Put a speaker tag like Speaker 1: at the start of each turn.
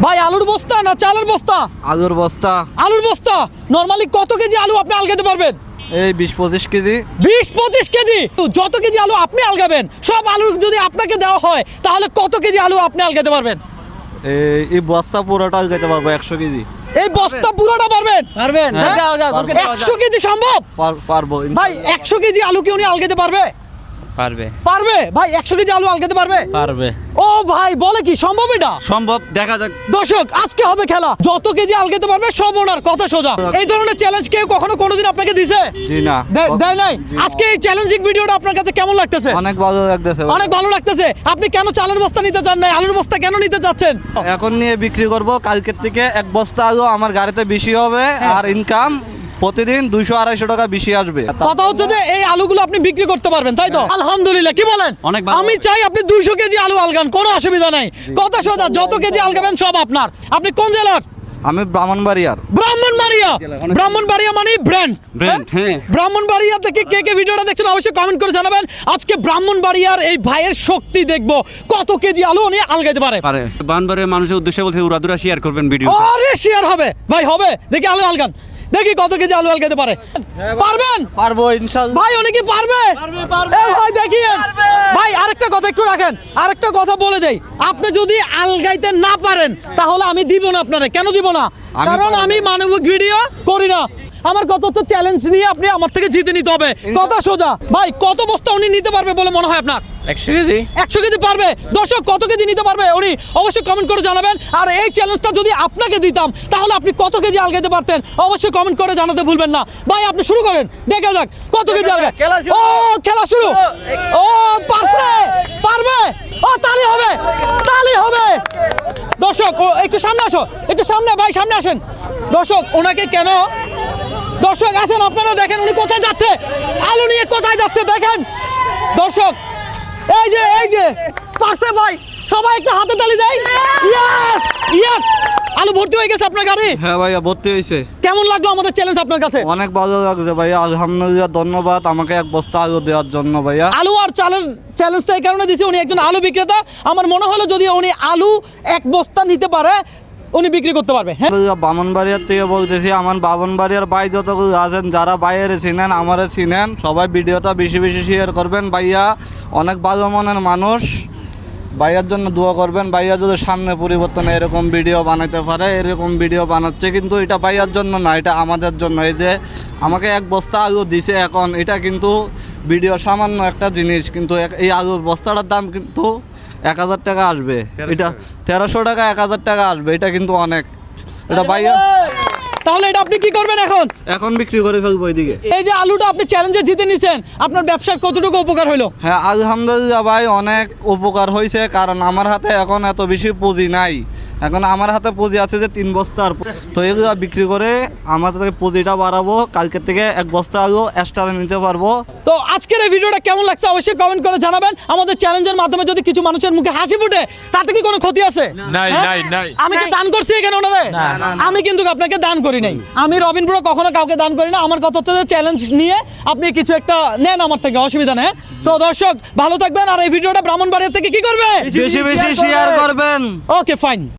Speaker 1: ভাই আলুর বস্তা না চালের বস্তা?
Speaker 2: আলুর বস্তা।
Speaker 1: আলুর বস্তা। নরমালি কত কেজি আলু আপনি আলগাতে পারবেন?
Speaker 2: এই 20-25 কেজি।
Speaker 1: 20-25 কেজি? যত কেজি আলু আপনি আলগাবেন, সব আলু যদি আপনাকে দেওয়া হয় তাহলে কত কেজি আলু আপনি আলগাতে পারবেন?
Speaker 2: এই বস্তা পুরোটা আলগাতে পারবো 100 কেজি।
Speaker 1: এই বস্তা পুরোটা পারবেন?
Speaker 3: পারবেন?
Speaker 2: হ্যাঁ,
Speaker 3: যাও যাও,
Speaker 2: পারবো।
Speaker 1: 100 কেজি সম্ভব?
Speaker 2: পারবো
Speaker 1: ভাই 100 কেজি আলু কি উনি আলগাতে পারবে?
Speaker 3: পারবে
Speaker 1: পারবে ভাই, 100 কেজি আলু আলগাতে পারবে?
Speaker 3: পারবে
Speaker 1: ও ভাই বলে কি সম্ভব এটা?
Speaker 2: সম্ভব, দেখা যাক।
Speaker 1: দর্শক আজকে হবে খেলা, যত কেজি আলগাতে পারবে সব ওনার, কথা সোজা। এই ধরনের চ্যালেঞ্জ কেউ কখনো কোনোদিন আপনাকে দিছে?
Speaker 2: জি না।
Speaker 1: দেয় নাই? আজকে এই চ্যালেঞ্জিং ভিডিওটা আপনার কাছে কেমন লাগতেছে?
Speaker 2: অনেক ভালো লাগতেছে।
Speaker 1: অনেক ভালো লাগতেছে। আপনি কেন চালের বস্তা নিতে চান না, আলুর বস্তা কেন নিতে চাচ্ছেন?
Speaker 2: এখন নিয়ে বিক্রি করব, কালকের থেকে এক বস্তা আলু আমার গাড়িতে বেশি হবে, আর ইনকাম প্রতিদিন 200-250 টাকা বেশি আসবে।
Speaker 1: কথা হচ্ছে যে এই আলুগুলো আপনি বিক্রি করতে পারবেন, তাই তো? আলহামদুলিল্লাহ, কি বলেন?
Speaker 2: অনেক ভালো।
Speaker 1: আমি চাই আপনি 200 কেজি আলু আলগান, কোনো অসুবিধা নাই। কথা সোজা, যত কেজি আলগাবেন সব আপনার। আপনি কোন জেলার?
Speaker 2: আমি ব্রাহ্মণবাড়িয়ার।
Speaker 1: ব্রাহ্মণবাড়িয়া। ব্রাহ্মণবাড়িয়া মানে ব্র্যান্ড।
Speaker 2: হ্যাঁ।
Speaker 1: ব্রাহ্মণবাড়িয়া থেকে কে কে ভিডিওটা দেখছেন অবশ্যই কমেন্ট করে জানাবেন। আজকে ব্রাহ্মণবাড়িয়ার এই ভাইয়ের শক্তি দেখবো, কত কেজি আলু উনি আলগাইতে পারে।
Speaker 4: বানবারের মানুষের উদ্দেশ্যে বলছে উড়াদুরা শেয়ার করবেন ভিডিও।
Speaker 1: আরে শেয়ার হবে ভাই, হবে। দেখি আলু আলগান, দেখি কত কেজি আলু আলগাইতে পারে। পারবেন?
Speaker 2: পারবো ইনশাআল্লাহ।
Speaker 1: ভাই উনি কি পারবে? এ ভাই দেখিয়েন। ভাই আরেকটা কথা একটু রাখেন, আরেকটা কথা বলে দেই, আপনি যদি আলগাইতে না পারেন তাহলে আমি দিব না আপনারে। কেন দিব না? কারণ আমি মানবিক ভিডিও করি না। আমার কত তো চ্যালেঞ্জ নিয়ে আপনি আমার থেকে জিতে নিতে হবে, কথা সোজা। ভাই কত বস্তা উনি নিতে পারবে বলে মনে হয় আপনার?
Speaker 3: 100 কেজি
Speaker 1: 100 কেজি পারবে? দর্শক কত কেজি নিতে পারবে উনি অবশ্যই কমেন্ট করে জানাবেন। আর এই চ্যালেঞ্জটা যদি আপনাকে দিতাম তাহলে আপনি কত কেজি আলগাইতে পারতেন অবশ্যই কমেন্ট করে জানাতে ভুলবেন না। ভাই আপনি শুরু করেন, দেখা যাক কত কেজি আলগায়। ও খেলা শুরু। ও পারছে, পারবে। ও তালি হবে, তালি হবে। দর্শক ও একটু সামনে আসো, একটু সামনে ভাই, সামনে আসেন। দর্শক ওনাকে কেন, দর্শক আসেন আপনারা দেখেন উনি কোথায় যাচ্ছে, আলু নিয়ে কোথায় যাচ্ছে দেখেন। দর্শক এই যে পারছে ভাই, সবাই একটা হাতে তালি দেয়। ইয়েস ইয়েস, আলু ভর্তি হয়ে গেছে আপনার গাড়ি।
Speaker 2: হ্যাঁ ভাইয়া, ভর্তি হয়েছে।
Speaker 1: কেমন লাগলো আমাদের চ্যালেঞ্জ আপনার কাছে?
Speaker 2: অনেক ভালো লাগছে ভাইয়া, আলহামদুলিল্লাহ। ধন্যবাদ আমাকে এক বস্তা আলু দেওয়ার জন্য ভাইয়া।
Speaker 1: আলু আর চালের চ্যালেঞ্জটা এই কারণে দিয়েছে, উনি একজন আলু বিক্রেতা। আমার মনে হলো যদি উনি আলু এক বস্তা নিতে পারে উনি বিক্রি করতে পারবে। হ্যাঁ
Speaker 2: ব্রাহ্মণবাড়িয়ার থেকে বলতেছি, আমার ব্রাহ্মণবাড়িয়ার ভাই যতগুলো আছেন, যারা বাইরে চিনেন আমারে চিনেন, সবাই ভিডিওটা বেশি বেশি শেয়ার করবেন। ভাইয়া অনেক ভালো মনের মানুষ, ভাইয়ার জন্য দোয়া করবেন। ভাইয়া যদি সামনে পরিবর্তনে এরকম ভিডিও বানাইতে পারে, এরকম ভিডিও বানাচ্ছে, কিন্তু এটা ভাইয়ার জন্য না, এটা আমাদের জন্য। এই যে আমাকে এক বস্তা আলু দিছে, এখন এটা কিন্তু ভিডিও সামান্য একটা জিনিস, কিন্তু এই আলুর বস্তাটার দাম কিন্তু 1000 টাকা আসবে। এটা 1300 টাকা 1000 টাকা আসবে, এটা কিন্তু অনেক। এটা ভাইয়া,
Speaker 1: তাহলে এটা আপনি কি করবেন এখন?
Speaker 2: এখন বিক্রি করে ফেলবো এদিকে।
Speaker 1: এই যে আলুটা আপনি চ্যালেঞ্জে জিতে নিছেন, আপনার ব্যবসার কতটুকু উপকার হলো?
Speaker 2: হ্যাঁ আলহামদুলিল্লাহ ভাই, অনেক উপকার হয়েছে। কারণ আমার হাতে এখন এত বেশি পুঁজি নাই, এখন আমার হাতে পুঁজি আছে যে 3 বস্তার। তো এগুলো বিক্রি করে আমার থেকে পুঁজিটা বাড়াবো, কালকে থেকে এক বস্তা আলু এক্সট্রা নিতে পারবো।
Speaker 1: তো আজকের এই ভিডিওটা কেমন লাগছে অবশ্যই কমেন্ট করে জানাবেন। আমাদের চ্যালেঞ্জের মাধ্যমে যদি কিছু মানুষের মুখে হাসি ফুটে তাতে কি কোনো ক্ষতি আছে?
Speaker 4: নাই,
Speaker 1: হ্যাঁ?
Speaker 4: নাই, নাই।
Speaker 1: আমি কি দান করছি এখানে ওনারে? আমি কিন্তু আপনাকে দান করি নাই। আমি রবিন ব্রো কখনো কাউকে দান করি না। আমার কথা হচ্ছে যে চ্যালেঞ্জ নিয়ে আপনি কিছু একটা নেন আমার থেকে, অসুবিধা নেই। তো দর্শক ভালো থাকবেন, আর এই ভিডিওটা ব্রাহ্মণবাড়িয়া থেকে কি করবে?
Speaker 2: বেশি বেশি শেয়ার করবেন।
Speaker 1: Okay fine.